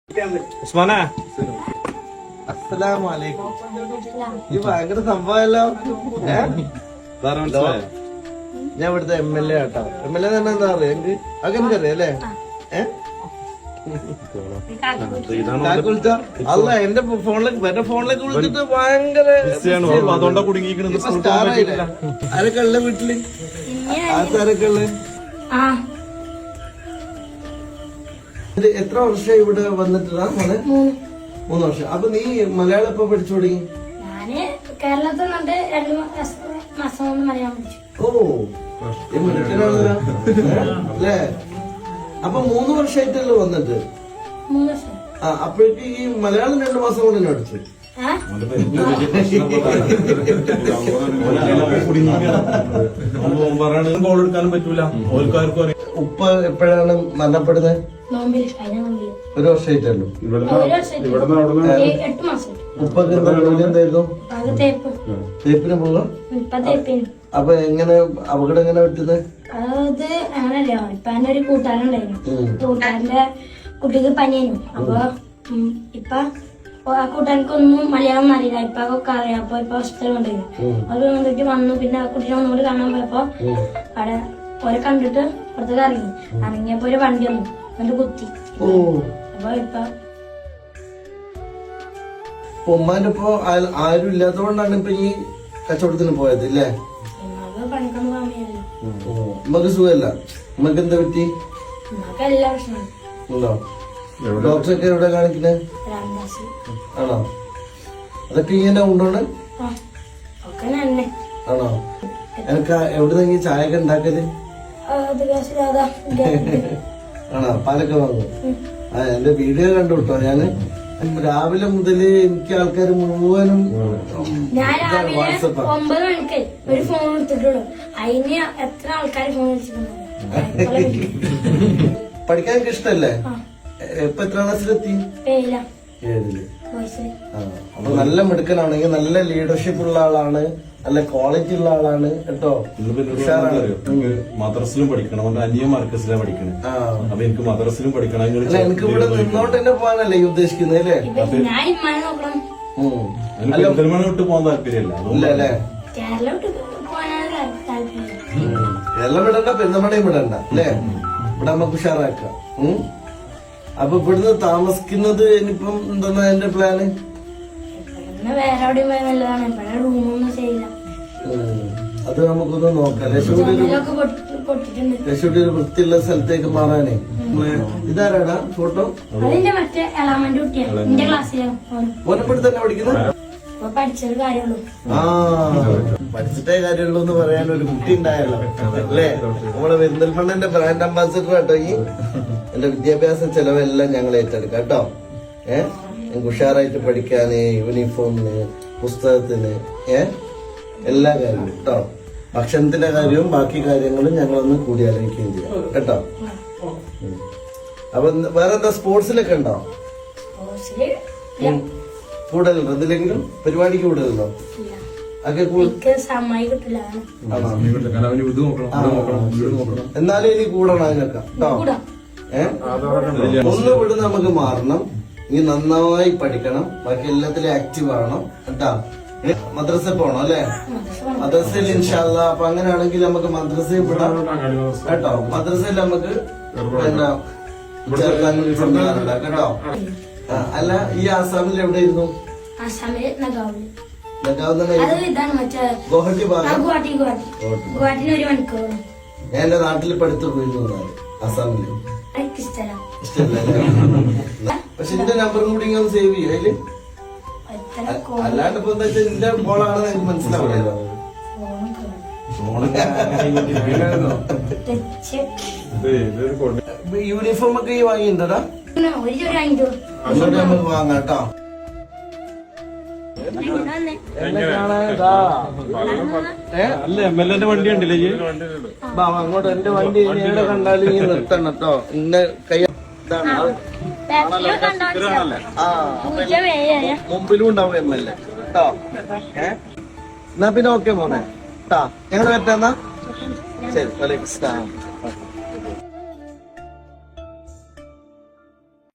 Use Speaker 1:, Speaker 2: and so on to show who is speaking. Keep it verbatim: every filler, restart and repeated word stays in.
Speaker 1: ഉസ്മാനെ
Speaker 2: അസ്സലാമലൈക്കും. ഈ ഭയങ്കര സംഭവമല്ലോ. ഞാൻ ഇവിടുത്തെ എം എൽ എ ആട്ടോ. എം എൽ എ തന്നെ എന്താ പറയാ എനിക്ക് അങ്ങനെ അറിയാം അല്ലേ? ഏഹ് അല്ല എന്റെ ഫോണിലേക്ക് എന്റെ ഫോണിലേക്ക് വിളിച്ചിട്ട് ഭയങ്കര
Speaker 1: അതുകൊണ്ടാ കുടുങ്ങിയിരിക്കുന്നത്.
Speaker 2: ആരൊക്കെ ഉള്ള വീട്ടില്? ആർക്കാരൊക്കെ ഉള്ള? എത്ര വർഷം ഇവിടെ വന്നിട്ടാ മോനെ? മൂന്ന് വർഷം. അപ്പൊ നീ മലയാളം എപ്പോ പഠിച്ചു തുടങ്ങി?
Speaker 3: ഞാന് കേരളത്തിൽ നിന്നിട്ട് രണ്ടു മാസം കൊണ്ട് മലയാളം പഠിച്ചു.
Speaker 2: ഓ മിടുക്കനാണല്ലോ അല്ലേ? അപ്പൊ മൂന്ന് വർഷമായിട്ടല്ലോ വന്നിട്ട്?
Speaker 3: മൂന്ന് വർഷം.
Speaker 2: ആ അപ്പോഴേക്ക് ഈ മലയാളം രണ്ടു മാസം കൊണ്ട് തന്നെ പഠിച്ചു.
Speaker 1: എടുക്കാനും പറ്റൂല.
Speaker 2: ഉപ്പ എപ്പോഴാണ് മരണപ്പെടുന്നത്? ഒരു വർഷമായിട്ടല്ലോ.
Speaker 3: എട്ട് മാസം.
Speaker 2: ഉപ്പൊക്കെ എന്താ ജോലി എന്തായിരുന്നു? തേപ്പിന് പോകാം. അപ്പൊ എങ്ങനെ അപകടം എങ്ങനെ പറ്റുന്നത്?
Speaker 3: അത് അങ്ങനല്ലോ. ഇപ്പൊ എന്റെ ഒരു കൂട്ടുകാരുണ്ടായിരുന്നു. കൂട്ടുകാരന്റെ കുട്ടിക്ക് പനിയായിരുന്നു. അപ്പൊ ഇപ്പൊ ആ കൂട്ടുകാർക്കൊന്നും മലയാളം അറിയില്ല. ഇപ്പൊ ഒക്കെ അറിയാം. അപ്പൊ ഇപ്പൊ ഹോസ്പിറ്റലിൽ കൊണ്ടുവരുന്നു. അത് കൊണ്ടിട്ട് വന്നു. പിന്നെ ആ കുട്ടീനെ ഒന്നുകൂടി കാണാൻ പോയപ്പോ അവിടെ ഓരെ കണ്ടിട്ട് പുറത്തേക്ക് ഇറങ്ങി. ഇറങ്ങിയപ്പോ ഒരു വണ്ടി വന്നു. എന്നിട്ട് കുത്തി. അപ്പൊ ഇപ്പൊ
Speaker 2: ഉമ്മാന്റെ ഇപ്പൊ ആരും ഇല്ലാത്തതുകൊണ്ടാണ് ഇപ്പൊ ഈ കച്ചവടത്തിന് പോയത് ഇല്ലേ?
Speaker 3: പണിക്കൊന്നും പോകാൻ വയ്യല്ലോ.
Speaker 2: ഉമ്മക്ക് സുഖമല്ല. ഉമ്മക്ക് എന്താ പറ്റി?
Speaker 3: ഉമ്മക്ക് എല്ലാ പ്രശ്നമാണ്.
Speaker 2: ഉണ്ടോ? ഡോക്ടറൊക്കെ എവിടെ കാണിക്കുന്നത്?
Speaker 3: രാമദാസ്.
Speaker 2: ആണോ? അതൊക്കെ ഇങ്ങനെ ഉണ്ടോണ്?
Speaker 3: ഒക്കെ തന്നെ.
Speaker 2: ആണോ? എനിക്ക് എവിടെ ചായ ഒക്കെ ഉണ്ടാക്കല്? ആണോ? പാലൊക്കെ വാങ്ങും. ആ എന്റെ വീഡിയോ കണ്ടു കേട്ടോ. ഞാന് രാവിലെ മുതല് എനിക്ക് ആൾക്കാർ മുഴുവനും
Speaker 3: ഞാൻ രാവിലെ ഒമ്പത് മണിക്ക് ഒരു ഫോൺ എടുത്തിട്ടുള്ളൂ. അതിന് എത്ര ആൾക്കാർ ഫോൺ വിളിച്ചിട്ടുണ്ടോ?
Speaker 2: പഠിക്കാൻ എനിക്ക് ഇഷ്ടല്ലേ? ഇപ്പൊ എത്ര ക്ലാസ്സിലെത്തി? ഏഴില്. ആ അപ്പൊ നല്ല മിടുക്കനാണെങ്കിൽ നല്ല ലീഡർഷിപ്പ് ഉള്ള ആളാണ്, നല്ല ക്വാളിറ്റി ഉള്ള ആളാണ് കേട്ടോ.
Speaker 1: മദ്രസിലും പഠിക്കണം. അവന്റെ അനിയ മാർക്കസിലാണ് പഠിക്കണേ. അപ്പൊ എനിക്ക് മദ്രസിലും പഠിക്കണം.
Speaker 2: എനിക്ക് ഇവിടെ നിന്നോട്ട് തന്നെ പോകാനല്ലേ ഈ ഉദ്ദേശിക്കുന്നത് അല്ലേ?
Speaker 1: പെരുന്തൽമണ്ണ വിട്ട് പോകാൻ താല്പര്യമല്ല.
Speaker 2: ഇല്ലല്ലേ? കേരളം വിടണ്ട, പെരുന്തൽമണ്ണയും വിടണ്ട അല്ലേ? ഇവിടെ നമുക്ക് ഉഷാറാക്കാം. അപ്പൊ ഇവിടുന്ന് താമസിക്കുന്നത് ഇനിയിപ്പം എന്താ എന്റെ പ്ലാന്?
Speaker 3: വേറെ എവിടെയും പോയാൽ നല്ലതാണ്. ഇവിടെ റൂമൊന്നും ചെയ്യില്ല.
Speaker 2: അത് നമുക്കൊന്ന് നോക്കാം. ലക്ഷ്മി ഒരു വൃത്തിയുള്ള സ്ഥലത്തേക്ക് മാറാനേ. ഇതാരാടാ ഫോട്ടോ?
Speaker 3: അതിന്റെ മറ്റേ എളാമന്റെ കുട്ടിയാണ്. എന്റെ ക്ലാസ്സിലാണ്.
Speaker 2: ഓനപ്പെട്ട് തന്നെ പഠിക്കുന്നത്?
Speaker 3: പഠിച്ചത് കാര്യമുള്ളൂ.
Speaker 2: ആ പഠിച്ചിട്ടേ കാര്യമുള്ളൂ എന്ന് പറയാൻ ഒരു കുട്ടി ഉണ്ടായല്ലോ അല്ലേ? നമ്മളെ പെരിന്തൽമണ്ണന്റെ ബ്രാൻഡ് അംബാസിഡർ കേട്ടോ. ഈ എന്റെ വിദ്യാഭ്യാസ ചെലവെല്ലാം ഞങ്ങൾ ഏറ്റെടുക്കാം കേട്ടോ. ഏഹ് എനിക്ക് ഉഷാറായിട്ട് പഠിക്കാന്, യൂണിഫോമിന്, പുസ്തകത്തിന്, ഏഹ് എല്ലാ കാര്യവും കേട്ടോ. ഭക്ഷണത്തിന്റെ കാര്യവും ബാക്കി കാര്യങ്ങളും ഞങ്ങളൊന്ന് കൂടി ആലോചിക്കുകയും ചെയ്യാം കേട്ടോ. അപ്പൊ വേറെന്താ സ്പോർട്സിലൊക്കെ ഉണ്ടോ? കൂടുതലുണ്ടോ? എന്തിലെങ്കിലും പരിപാടിക്ക് കൂടുതലുണ്ടോ? എന്നാലും ഇനി കൂടണം അതിനൊക്കെ കേട്ടോ. ഏഹ് ഒന്ന് വിടുന്ന നമുക്ക് മാറണം. ഇനി നന്നായി പഠിക്കണം. ബാക്കി എല്ലാത്തിലും ആക്റ്റീവ് ആവണം കേട്ടോ. മദ്രസ പോണം അല്ലെ? മദ്രസയിൽ ഇൻഷാല്ല. അപ്പൊ അങ്ങനെയാണെങ്കിൽ നമുക്ക് മദ്രസയിൽ വിടാം കേട്ടോ. മദ്രസയിൽ നമുക്ക് പിന്നെ ചേർക്കാനും സംവിധാനം കേട്ടോ. അല്ല ഈ ആസാമിൽ എവിടെയായിരുന്നു? ഗുവാഹട്ടി ഭാഗം. ഞാൻ എന്റെ നാട്ടിൽ പഠിത്തു പോയിരുന്നു ആസാമില്. പക്ഷെ എന്റെ നമ്പറും കൂടി ഇങ്ങനെ സേവ് ചെയ്യും അതില്. അല്ലാണ്ട് ഇപ്പൊ എന്താ വെച്ചാൽ എന്റെ ബോളാണെന്ന് എനിക്ക് മനസ്സിലാവില്ലല്ലോ. യൂണിഫോം ഒക്കെ ഈ വാങ്ങിയിട്ടുണ്ടോടാ? നമുക്ക് വാങ്ങാം കേട്ടോ.
Speaker 1: അല്ല എം എൽ എന്റെ വണ്ടി ഉണ്ടല്ലേ?
Speaker 2: അങ്ങോട്ട് എന്റെ വണ്ടി എവിടെ കണ്ടാലും ഈ നിർത്തണം കേട്ടോ. ഇന്ന കൈ മുമ്പിലും ഉണ്ടാവും എം എൽ എ കേട്ടോ. ഏഹ് എന്നാ പിന്നെ ഓക്കെ മോനെ കേട്ടാ. ഞങ്ങൾ പറ്റാന്നാ ശരി. വലൈക്കും സ്ലാം.